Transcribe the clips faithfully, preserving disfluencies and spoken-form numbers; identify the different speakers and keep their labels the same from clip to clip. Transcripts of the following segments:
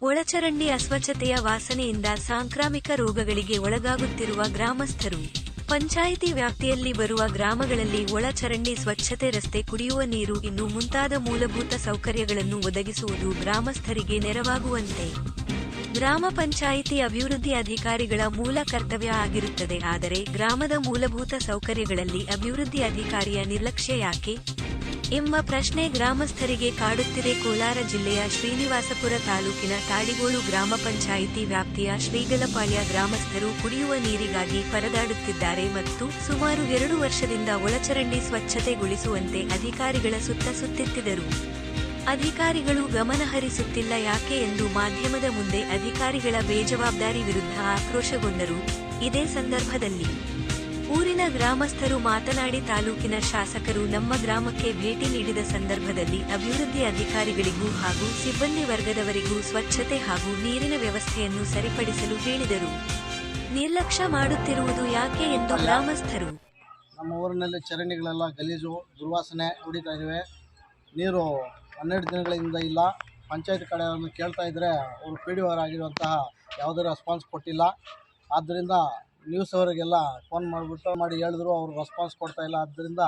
Speaker 1: ಒಳಚರಂಡಿ ಅಸ್ವಚ್ಛತೆಯ ವಾಸನೆಯಿಂದ ಸಾಂಕ್ರಾಮಿಕ ರೋಗಗಳಿಗೆ ಒಳಗಾಗುತ್ತಿರುವ ಗ್ರಾಮಸ್ಥರು. ಪಂಚಾಯಿತಿ ವ್ಯಾಪ್ತಿಯಲ್ಲಿ ಬರುವ ಗ್ರಾಮಗಳಲ್ಲಿ ಒಳಚರಂಡಿ ಸ್ವಚ್ಛತೆ, ರಸ್ತೆ, ಕುಡಿಯುವ ನೀರು ಇನ್ನು ಮುಂತಾದ ಮೂಲಭೂತ ಸೌಕರ್ಯಗಳನ್ನು ಒದಗಿಸುವುದು ಗ್ರಾಮಸ್ಥರಿಗೆ ನೆರವಾಗುವಂತೆ ಗ್ರಾಮ ಪಂಚಾಯಿತಿ ಅಭಿವೃದ್ಧಿ ಅಧಿಕಾರಿಗಳ ಮೂಲ ಕರ್ತವ್ಯ ಆಗಿರುತ್ತದೆ. ಆದರೆ ಗ್ರಾಮದ ಮೂಲಭೂತ ಸೌಕರ್ಯಗಳಲ್ಲಿ ಅಭಿವೃದ್ಧಿ ಅಧಿಕಾರಿಯ ನಿರ್ಲಕ್ಷ್ಯ ಯಾಕೆ ಎಂಬ ಪ್ರಶ್ನೆ ಗ್ರಾಮಸ್ಥರಿಗೆ ಕಾಡುತ್ತಿದೆ. ಕೋಲಾರ ಜಿಲ್ಲೆಯ ಶ್ರೀನಿವಾಸಪುರ ತಾಲೂಕಿನ ತಾಡಿಗೋಳು ಗ್ರಾಮ ಪಂಚಾಯಿತಿ ವ್ಯಾಪ್ತಿಯ ಶ್ರೀಗಲಪಾಳ್ಯ ಗ್ರಾಮಸ್ಥರು ಕುಡಿಯುವ ನೀರಿಗಾಗಿ ಪರದಾಡುತ್ತಿದ್ದಾರೆ ಮತ್ತು ಸುಮಾರು ಎರಡು ವರ್ಷದಿಂದ ಒಳಚರಂಡಿ ಸ್ವಚ್ಛತೆಗೊಳಿಸುವಂತೆ ಅಧಿಕಾರಿಗಳ ಸುತ್ತ ಸುತ್ತಿತ್ತಿದ್ದರು. ಅಧಿಕಾರಿಗಳು ಗಮನಹರಿಸುತ್ತಿಲ್ಲ ಯಾಕೆ ಎಂದು ಮಾಧ್ಯಮದ ಮುಂದೆ ಅಧಿಕಾರಿಗಳ ಬೇಜವಾಬ್ದಾರಿ ವಿರುದ್ಧ ಆಕ್ರೋಶಗೊಂಡರು. ಇದೇ ಸಂದರ್ಭದಲ್ಲಿ ಊರಿನ ಗ್ರಾಮಸ್ಥರು ಮಾತನಾಡಿ, ತಾಲೂಕಿನ ಶಾಸಕರು ನಮ್ಮ ಗ್ರಾಮಕ್ಕೆ ಭೇಟಿ ನೀಡಿದ ಸಂದರ್ಭದಲ್ಲಿ ಅಭಿವೃದ್ಧಿ ಅಧಿಕಾರಿಗಳಿಗೂ ಹಾಗೂ ಸಿಬ್ಬಂದಿ ವರ್ಗದವರಿಗೂ ಸ್ವಚ್ಛತೆ ಹಾಗೂ ನೀರಿನ ವ್ಯವಸ್ಥೆಯನ್ನು ಸರಿಪಡಿಸಲು ಹೇಳಿದರು. ನಿರ್ಲಕ್ಷ್ಯ ಮಾಡುತ್ತಿರುವುದು ಯಾಕೆ ಎಂದು ಗ್ರಾಮಸ್ಥರು.
Speaker 2: ನಮ್ಮ ಊರಿನಲ್ಲಿ ಚರಂಡಿಗಳೆಲ್ಲ ಗಲೀಜು, ದುರ್ವಾಸನೆ ಹೊಡಿತಾ ಇವೆ. ನೀರು ಹನ್ನೆರಡು ದಿನಗಳಿಂದ ಇಲ್ಲ. ಪಂಚಾಯತ್ ಕಡೆಯನ್ನು ಕೇಳ್ತಾ ಇದ್ದರೆ ಅವರು ಪಿ ಡಿ ಓ ಆಗಿರುವಂತಹ ಯಾವುದೇ ರೆಸ್ಪಾನ್ಸ್ ಕೊಟ್ಟಿಲ್ಲ. ಆದ್ದರಿಂದ ನ್ಯೂಸ್ ಅವರಿಗೆಲ್ಲ ಫೋನ್ ಮಾಡಿಬಿಟ್ಟು ಮಾಡಿ ಹೇಳಿದ್ರು, ಅವರು ರೆಸ್ಪಾನ್ಸ್ ಕೊಡ್ತಾ ಇಲ್ಲ. ಆದ್ದರಿಂದ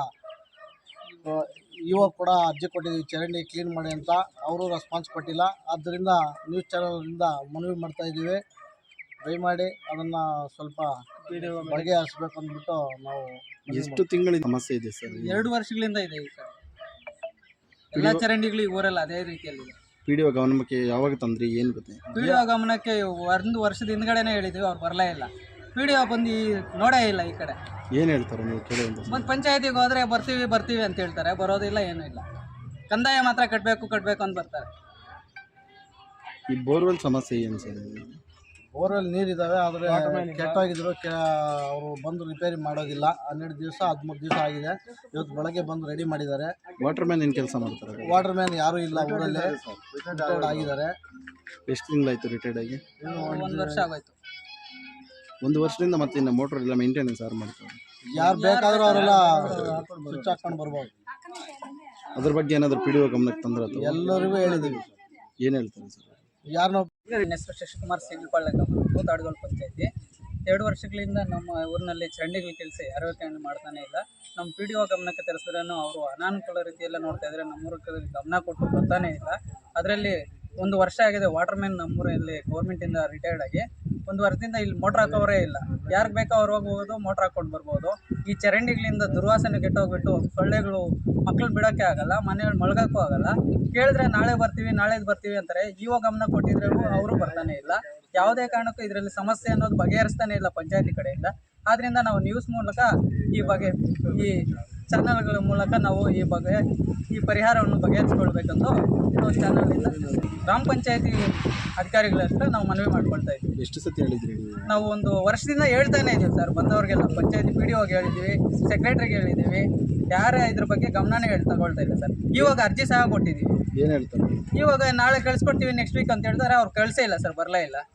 Speaker 2: ಇವಾಗ ಕೂಡ ಅರ್ಜಿ ಕೊಟ್ಟಿದ್ದೀವಿ ಚರಂಡಿ ಕ್ಲೀನ್ ಮಾಡಿ ಅಂತ, ಅವರು ರೆಸ್ಪಾನ್ಸ್ ಕೊಟ್ಟಿಲ್ಲ. ಆದ್ದರಿಂದ ನ್ಯೂಸ್ ಚಾನಲಿಂದ ಮನವಿ ಮಾಡ್ತಾ ಇದ್ದೀವಿ, ದಯಮಾಡಿ ಅದನ್ನು ಸ್ವಲ್ಪ ಬಗೆಹರಿಸಬೇಕು ಅಂದ್ಬಿಟ್ಟು ನಾವು.
Speaker 3: ಎಷ್ಟು ತಿಂಗಳ ಸಮಸ್ಯೆ ಇದೆ ಸರ್?
Speaker 4: ಎರಡು ವರ್ಷಗಳಿಂದ ಇದೆ ಸರ್. ಎಲ್ಲ ಚರಂಡಿಗಳು ಈ ಊರಲ್ಲಿ ಅದೇ ರೀತಿಯಲ್ಲಿ.
Speaker 3: ಪಿ ಡಿ ಒ ಗಮನಕ್ಕೆ ಯಾವಾಗ ತಂದ್ರಿ? ಏನು ಗೊತ್ತೆ?
Speaker 4: ಪಿ ಡಿ ಒ ಗಮನಕ್ಕೆ ಒಂದು ವರ್ಷದ ಹಿಂದ್ಗಡೆನೇ ಹೇಳಿದ್ವಿ, ಅವ್ರು ಬರಲೇ ಇಲ್ಲ. ಪಿ ಡಿ ಒ ಬಂದು ನೋಡೇ ಇಲ್ಲ ಈ ಕಡೆ.
Speaker 3: ಏನು ಹೇಳ್ತಾರೆ ನೀವು ಕೇಳುವಂತ?
Speaker 4: ಒಂದು ಪಂಚಾಯತಿಗೆ ಹೋದರೆ ಬರ್ತೀವಿ ಬರ್ತೀವಿ ಅಂತ ಹೇಳ್ತಾರೆ, ಬರೋದಿಲ್ಲ, ಏನೂ ಇಲ್ಲ. ಕಂದಾಯ ಮಾತ್ರ ಕಟ್ಟಬೇಕು ಕಟ್ಟಬೇಕು ಅಂತ ಬರ್ತಾರೆ.
Speaker 3: ಈ ಬೋರ್ವೆಲ್ ಸಮಸ್ಯೆ ಏನು ಸರ್?
Speaker 2: ಬೋರ್ವೆಲ್ ನೀರಿದ್ದಾವೆ, ಆದರೆ ಕೆಟ್ಟೋಗಿದ್ರು. ಕೆ ಅವರು ಬಂದು ರಿಪೇರಿ ಮಾಡೋದಿಲ್ಲ. ಹನ್ನೆರಡು ದಿವಸ ಹದಿಮೂರು ದಿವಸ ಆಗಿದೆ. ಇವತ್ತು ಬೆಳಗ್ಗೆ ಬಂದು ರೆಡಿ ಮಾಡಿದ್ದಾರೆ.
Speaker 3: ವಾಟರ್ ಮ್ಯಾನ್ ಏನು ಕೆಲಸ ಮಾಡ್ತಾರೆ?
Speaker 2: ವಾಟರ್ ಮ್ಯಾನ್ ಯಾರೂ ಇಲ್ಲ ಊರಲ್ಲಿ, ರಿಟೈರ್ಡ್ ಆಗಿದ್ದಾರೆ.
Speaker 3: ಎಷ್ಟು ತಿಂಗಳಾಯಿತು ರಿಟೈರ್ಡ್ ಆಗಿ?
Speaker 4: ಒಂದು ವರ್ಷ ಆಗೋಯ್ತು.
Speaker 3: ಒಂದು ವರ್ಷದಿಂದ ಮತ್ತೆ ಇನ್ನು ಮೋಟ್ರ್ ಎಲ್ಲ ಮೇಂಟೆನೆನ್ಸ್ ಯಾರು ಮಾಡ್ತಾರೆ?
Speaker 2: ಯಾರು ಬೇಕಾದರೂ ಅವರೆಲ್ಲ ಸ್ವಿಚ್ ಹಾಕ್ಕೊಂಡು ಬರ್ಬೋದು.
Speaker 3: ಅದ್ರ ಬಗ್ಗೆ ಏನಾದರೂ ಪಿ ಡಿ ಒ ಗಮನಕ್ಕೆ ತಂದ್ರೆ?
Speaker 2: ಎಲ್ಲರಿಗೂ ಹೇಳಿದ್ದೀವಿ.
Speaker 3: ಏನು ಹೇಳ್ತಾರೆ ಸರ್?
Speaker 2: ಯಾರನ್ನೋ
Speaker 4: ನನ್ನ ಹೆಸರು ಶಶಿಕುಮಾರ್, ಸಿಗಲಪಾಳ್ಯ ಗ್ರಾಮ, ತಾಡಿಗೋಳು ಪಂಚಾಯತಿ. ಎರಡು ವರ್ಷಗಳಿಂದ ನಮ್ಮ ಊರಿನಲ್ಲಿ ಚರಂಡಿಗಳ ಕೆಲಸ ಯಾರು ಮಾಡ್ತಾನೆ ಇಲ್ಲ. ನಮ್ಮ ಪಿ ಡಿ ಒ ಗಮನಕ್ಕೆ ತರಿಸಿದ್ರೂ ಅವರು ಅನಾನುಕೂಲ ರೀತಿಯೆಲ್ಲ ನೋಡ್ತಾ ಇದ್ದಾರೆ. ನಮ್ಮೂರಿಗೆ ಗಮನ ಕೊಟ್ಟು ಬರ್ತಾನೆ ಇಲ್ಲ. ಅದರಲ್ಲಿ ಒಂದು ವರ್ಷ ಆಗಿದೆ ವಾಟರ್ ಮ್ಯಾನ್ ನಮ್ಮೂರಲ್ಲಿ ಗೌರ್ಮೆಂಟಿಂದ ರಿಟೈರ್ಡ್ ಆಗಿ. ಒಂದು ವರ್ಷದಿಂದ ಇಲ್ಲಿ ಮೋಟ್ರ್ ಹಾಕೋರೇ ಇಲ್ಲ. ಯಾರಿಗೆ ಬೇಕೋ ಅವ್ರು ಹೋಗ್ಬೋದು, ಮೋಟ್ರ್ ಹಾಕ್ಕೊಂಡು ಬರ್ಬೋದು. ಈ ಚರಂಡಿಗಳಿಂದ ದುರ್ವಾಸನೆ ಕೆಟ್ಟೋಗ್ಬಿಟ್ಟು ಸೊಳ್ಳೆಗಳು ಮಕ್ಕಳು ಬಿಡೋಕ್ಕೆ ಆಗಲ್ಲ, ಮನೆಗಳು ಮಳ್ಗೋಕ್ಕೂ ಆಗಲ್ಲ. ಕೇಳಿದ್ರೆ ನಾಳೆ ಬರ್ತೀವಿ ನಾಳೆದು ಬರ್ತೀವಿ ಅಂತಾರೆ. ಇವಾಗ ಗಮನ ಕೊಟ್ಟಿದ್ರೆ ಅವರು ಬರ್ತಾನೆ ಇಲ್ಲ. ಯಾವುದೇ ಕಾರಣಕ್ಕೂ ಇದರಲ್ಲಿ ಸಮಸ್ಯೆ ಅನ್ನೋದು ಬಗೆಹರಿಸ್ತಾನೆ ಇಲ್ಲ ಪಂಚಾಯತಿ ಕಡೆಯಿಂದ. ಆದ್ದರಿಂದ ನಾವು ನ್ಯೂಸ್ ಮೂಲಕ ಈ ಬಗ್ಗೆ, ಈ ಚಾನಲ್ಗಳ ಮೂಲಕ ನಾವು ಈ ಬಗ್ಗೆ ಈ ಪರಿಹಾರವನ್ನು ಬಗೆಹರಿಸ್ಕೊಳ್ಬೇಕಂದು ನಾವು ಚಾನಲಿಂದ ಗ್ರಾಮ ಪಂಚಾಯತಿ ಅಧಿಕಾರಿಗಳ ಹತ್ರ ನಾವು ಮನವಿ ಮಾಡ್ಕೊಳ್ತಾ ಇದ್ದೀವಿ.
Speaker 3: ಎಷ್ಟು ಸತಿ ಹೇಳಿದ್ರಿ?
Speaker 4: ನಾವು ಒಂದು ವರ್ಷದಿಂದ ಹೇಳ್ತಾನೆ ಇದ್ದೀವಿ ಸರ್. ಬಂದವ್ರಿಗೆಲ್ಲ ಪಂಚಾಯತಿ ಪಿ ಡಿ ಒಗೆ ಹೇಳಿದ್ದೀವಿ, ಸೆಕ್ರೆಟ್ರಿಗೆ ಹೇಳಿದ್ದೀವಿ. ಯಾರೇ ಇದ್ರ ಬಗ್ಗೆ ಗಮನನೇ ಹೇಳಿ ತಗೊಳ್ತಾ ಇಲ್ಲ ಸರ್. ಇವಾಗ ಅರ್ಜಿ ಸಹ ಕೊಟ್ಟಿದ್ದೀವಿ.
Speaker 3: ಏನು ಹೇಳ್ತಾರೆ?
Speaker 4: ಇವಾಗ ನಾಳೆ ಕಳಿಸ್ಕೊಡ್ತೀವಿ ನೆಕ್ಸ್ಟ್ ವೀಕ್ ಅಂತ ಹೇಳ್ತಾರೆ. ಅವ್ರು ಕಳಿಸೇ ಇಲ್ಲ ಸರ್, ಬರಲೇ ಇಲ್ಲ.